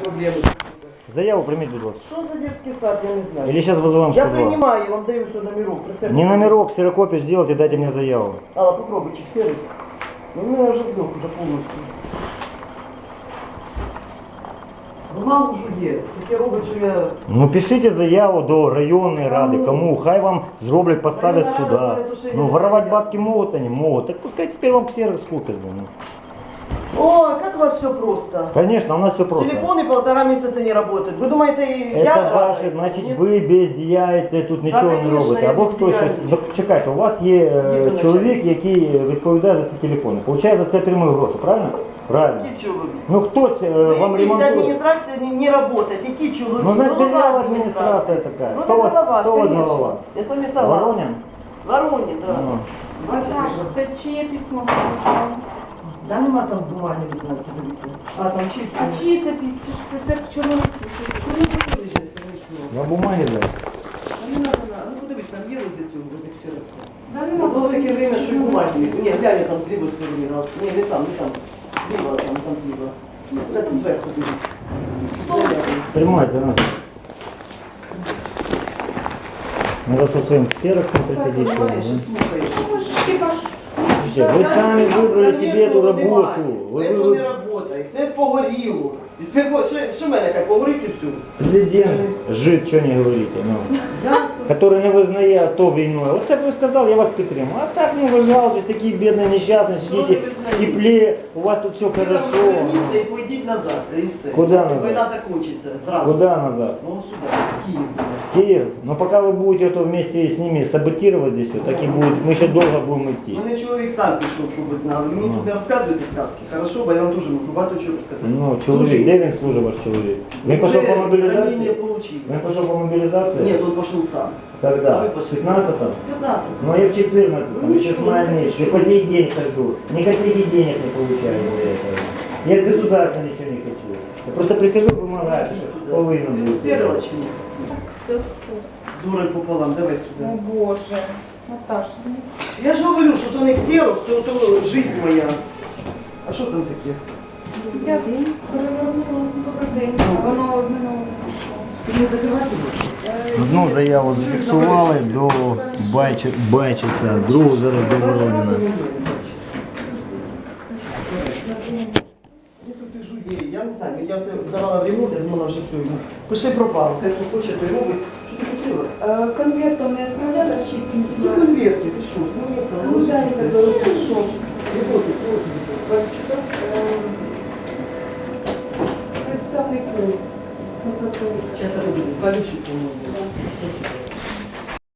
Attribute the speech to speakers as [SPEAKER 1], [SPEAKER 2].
[SPEAKER 1] проблеми.
[SPEAKER 2] Заяву прийміть, будь ласка.
[SPEAKER 1] Що за детский сад, я не знаю.
[SPEAKER 2] Или сейчас вызываем 102.
[SPEAKER 1] Я принимаю, я вам даю все номерок.
[SPEAKER 2] Не номерок, ксерокопию сделайте, дайте мне заяву.
[SPEAKER 1] Алла, попробуй, чек-сервис. Ну, у меня уже сдох уже полностью. Бумага вже є. Таке робить, що я...
[SPEAKER 2] Ну пишите заяву до районной рады, кому, хай вам зроблять, поставят
[SPEAKER 1] Районная
[SPEAKER 2] сюда.
[SPEAKER 1] рада говорит, что
[SPEAKER 2] Ну
[SPEAKER 1] я
[SPEAKER 2] воровать
[SPEAKER 1] не
[SPEAKER 2] бабки могут они? Могут. Так пускай теперь вам ксерокс купят. Ну.
[SPEAKER 1] Ой, как у вас все просто.
[SPEAKER 2] Конечно, у нас все просто.
[SPEAKER 1] Телефоны 1,5 месяца не работают. Вы думаете,
[SPEAKER 2] Это
[SPEAKER 1] я...
[SPEAKER 2] ваше, значить,
[SPEAKER 1] Нет.
[SPEAKER 2] ви бездіяєте, тут нічого не
[SPEAKER 1] конечно,
[SPEAKER 2] робите.
[SPEAKER 1] я
[SPEAKER 2] Або хтось щось.
[SPEAKER 1] бездіяльний.
[SPEAKER 2] Ну, чекайте, у вас є
[SPEAKER 1] Ніхто не
[SPEAKER 2] чоловік, який відповідає за ці телефони. Получає за це отримує гроші, правильно? Правильно.
[SPEAKER 1] Какие человек?
[SPEAKER 2] Ну хтось вам
[SPEAKER 1] Вы
[SPEAKER 2] ремонтує.
[SPEAKER 1] администрация не работает. Какие человек?
[SPEAKER 2] Ну, значит,
[SPEAKER 1] Голова
[SPEAKER 2] дырявая администрация такая.
[SPEAKER 1] Ну,
[SPEAKER 2] Кто
[SPEAKER 1] это
[SPEAKER 2] вас-
[SPEAKER 1] голова,
[SPEAKER 2] кто у вас
[SPEAKER 1] конечно.
[SPEAKER 2] голова?
[SPEAKER 1] Я с вами согласна.
[SPEAKER 2] Воронин?
[SPEAKER 1] Воронин, да.
[SPEAKER 2] Ну.
[SPEAKER 3] Так, це чиє письмо получало?
[SPEAKER 1] Да нема там бумаги, не знаю, дивіться. А там чиї?
[SPEAKER 3] А чиє це письмо? Це чорний
[SPEAKER 2] На бумагі дай.
[SPEAKER 1] Не надо, ну подивись, там є возле цього, возле ксерокса.
[SPEAKER 3] Да
[SPEAKER 1] Ну,
[SPEAKER 3] нема.
[SPEAKER 1] було таке время, що і бумаги не... Ні, глянь, там з лівої сторони. Ні, не там. Зліва, там зліва. Це зверху дивись.
[SPEAKER 2] Тримайте, на. Надо со своим ксероксом приходить.
[SPEAKER 1] Так,
[SPEAKER 2] сюда,
[SPEAKER 1] понимаешь,
[SPEAKER 2] да?
[SPEAKER 1] слухай.
[SPEAKER 3] Ну, ж хіба ж.
[SPEAKER 2] Слушайте, вы сами выбрали себе эту работу.
[SPEAKER 1] Це не работає, це погоріло. І тепер, що мене, хай погорить і все.
[SPEAKER 2] Президент жид, что не говорите, ну. Который не визнає то війною. Оце б ви сказали, я вас підтримую. А так не ви жалуєтесь, такі бідні, нещасні, сидите в теплі, у вас тут все хорошо.
[SPEAKER 1] Верніться і пойдіть назад, і все.
[SPEAKER 2] Куда назад?
[SPEAKER 1] Війна закінчиться, зразу.
[SPEAKER 2] Куда назад?
[SPEAKER 1] Ну сюди, в Київ.
[SPEAKER 2] В Киев. Но пока вы будете это вместе с ними саботировать здесь, вот, так и будет. Мы еще долго будем идти.
[SPEAKER 1] Мене чоловік сам пішов, щоб ви знали. Мені тут не розказуєте сказки, хорошо, бо я вам теж можу багато чого розказати.
[SPEAKER 2] Ну, чоловік, де він служить ваш чоловік? Він пішов по
[SPEAKER 1] Ранение
[SPEAKER 2] мобілізації?
[SPEAKER 1] получил.
[SPEAKER 2] Він пішов по мобілізації?
[SPEAKER 1] Нет, он пошел сам.
[SPEAKER 2] Когда?
[SPEAKER 1] А вы
[SPEAKER 2] В
[SPEAKER 1] пошли.
[SPEAKER 2] 15-м?
[SPEAKER 1] 15.
[SPEAKER 2] Ну, я в 14-м,
[SPEAKER 1] Ну,
[SPEAKER 2] еще с
[SPEAKER 1] ничего,
[SPEAKER 2] мая
[SPEAKER 1] ну,
[SPEAKER 2] месяца.
[SPEAKER 1] ты
[SPEAKER 2] И по сей день хожу. Ни копейки денег не получаю за это. Я от государства ничего не хочу. Я просто прихожу, помогаю, что половину будет.
[SPEAKER 1] Серила чи ні?
[SPEAKER 3] Так, все.
[SPEAKER 1] Зорой пополам, давай
[SPEAKER 3] О
[SPEAKER 1] сюди.
[SPEAKER 3] Боже. Наташа, ну.
[SPEAKER 1] Я ж говорю, що то не ксерокс, то жизнь моя. А що там таке?
[SPEAKER 3] Я перевернула добрий день, а воно одне нове не пішло.
[SPEAKER 1] Ти не закривати будеш?
[SPEAKER 2] Одну заяву зафіксували до Байчиця, другу зараз до Воронина.
[SPEAKER 1] Я не знаю, я це здавала в ремонт, я думала, що все, йому. Пиши пропав, хай хто хоче, то й робить. Що ти хотіла?
[SPEAKER 3] Конвертом не відправляла ще
[SPEAKER 1] Які
[SPEAKER 3] письма?
[SPEAKER 1] конверти, ти що, смієшся?
[SPEAKER 3] Ну, дай я заберу, пішов. Представнику.
[SPEAKER 1] Зараз я буду, Валючик, по-моєму.